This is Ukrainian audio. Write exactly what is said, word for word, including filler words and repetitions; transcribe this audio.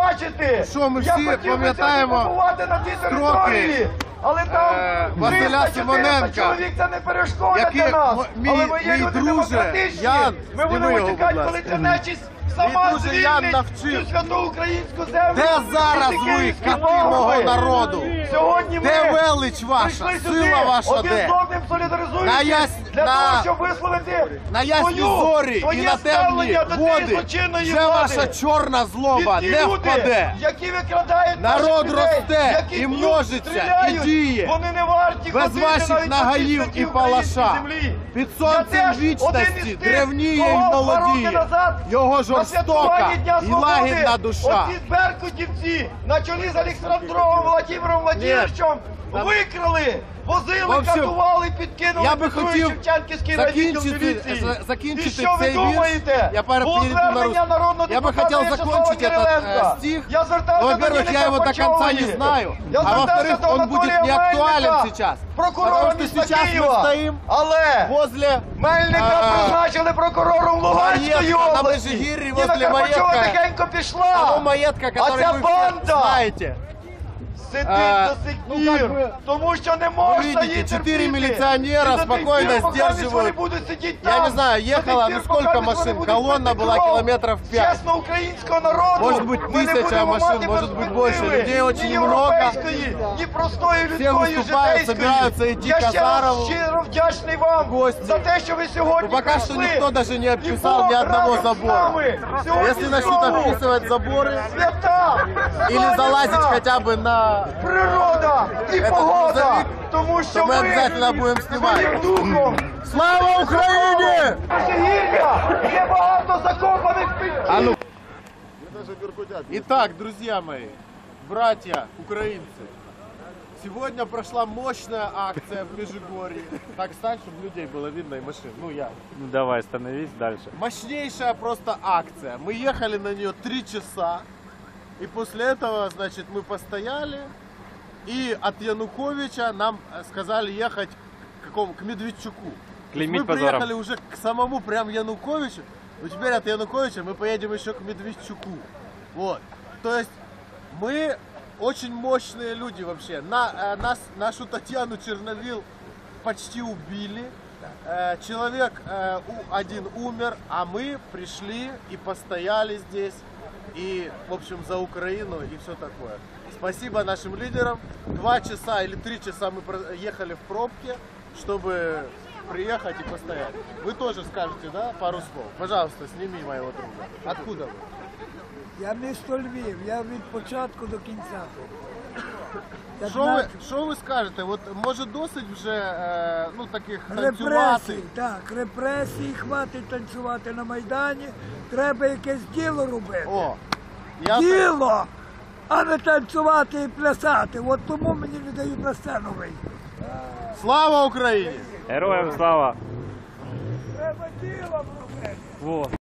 відзначити. Що ми Я всі хотів би пам'ятаємо побувати на цій території, але там е, Василя триста чотириста Симоненка, чоловік це не перешкода який, для нас. м- мій- Але ми є мій люди друже, демократичні. Ян, Ми зніми будемо його, чекати, будь коли ласка. ця нечість сама друже Ян звільнить навчив. цю святу українську землю. Де зараз від ви, київських кати мого бомбів? народу? Сьогодні ми Де велич ваша, прийшли сюди, сила ваша один де? з одним солідаризуючись На яс- для на- того, щоб висловити На ясні свою, зорі і своє на темні ставлення до цієї води злочинної вже влади. ваша чорна злоба І ті не люди, впаде. які викрадають Народ наших людей, росте які і б'ють, множиться, стріляють, і діє. Вони не варті Без ходити ваших навіть по цій нагаїв святій і українській палаша. землі. Під Я сонцем теж один вічності із тих, древніє і кого два роки молодіє. назад Його на жорстока святкуванні Дня і Свободи лагідна душа. оці беркутівці на чолі з Олександровим Володимиром Владимировичем Там- викрали, возили, В общем, катували, підкинули я би під хотів Шевченківський райвідділ закінчити, міліції. за- закінчити І що ви цей вірш. думаєте? Я пара- Було перейду на звернення рус- народного Я бы депутата хотел В'ячеслава закончить этот Кириленка. э, стих. Я звертався Ну, до во-первых, я Ніни его до конца не Карпачової. знаю. Я А звертався во-вторых, до он будет Анатолія не актуален Мельника, сейчас. прокурора Потому что міста сейчас мы Києва. стоим Але возле Мельника а, призначили прокурором Луганської маєтка на області. Межигір'ї, Ніна возле Карпачова маєтка. тихенько того пішла. маєтка, А который ця вы все банда знаете. сидить А, до сих ну, пір, как бы, тому що не можна видите, її чотири терпіти. міліціонера І до тих спокійно пір, поки сдерживают. вони будуть сидіти Я там, не знаю, до тих ехала, пір, ну сколько поки вони машин? будуть Колонна пити была кров километров пять. чесно українського народу. Может быть, Ми не тысяча будемо машин, мати может быть, перспективи больше. Людей очень ні много. європейської, ні простої Все людської выступают, житейської. собираются идти Я к ще раз Азарову. щиро вдячний вам гости. за те, що ви сьогодні Ну, пока что прийшли. никто даже не І описал Бог ни одного разом з забора. нами. Сьогодні Если начнут знову описывать заборы свята, или залазить сонячна хотя бы на... природа і Этот погода, грузовик, тому що то мы ви обязательно будем снимать. своїм духом. Слава Украине! Межигір'я, є багато закопаних під А ну. Итак, друзья мои, братья украинцы, сегодня прошла мощная акция в Межигорье. Так стань, чтобы людей было видно и машин. Ну я. Ну, давай, становись дальше. Мощнейшая просто акция. Мы ехали на нее три часа. И после этого, значит, мы постояли. И от Януковича нам э, сказали ехать к, какому, к Медведчуку. То есть Клеймить мы позором. приехали уже к самому прям Януковичу. Но теперь от Януковича мы поедем еще к Медведчуку. Вот. То есть мы очень мощные люди вообще. На, э, нас, нашу Татьяну Черновил почти убили. Э, человек э, у- один умер, а мы пришли и постояли здесь. И, в общем, за Украину и все такое. Спасибо нашим лидерам. Два часа или три часа мы про- ехали в пробке, чтобы приехать и постоять. Вы тоже скажете, да, пару слов? Пожалуйста, сними моего друга. Откуда вы? Я місто Львів, я від початку до кінця. тут. Що ви, що ви скажете? От може досить вже е, ну таких танцювати? Репресії, так, репресії, хватить танцювати на Майдані, треба якесь діло робити. О, я Діло, а не танцювати і плясати. От тому мені не дають на сцену вийти. Слава Україні! Героям слава! Треба діло робити. Во.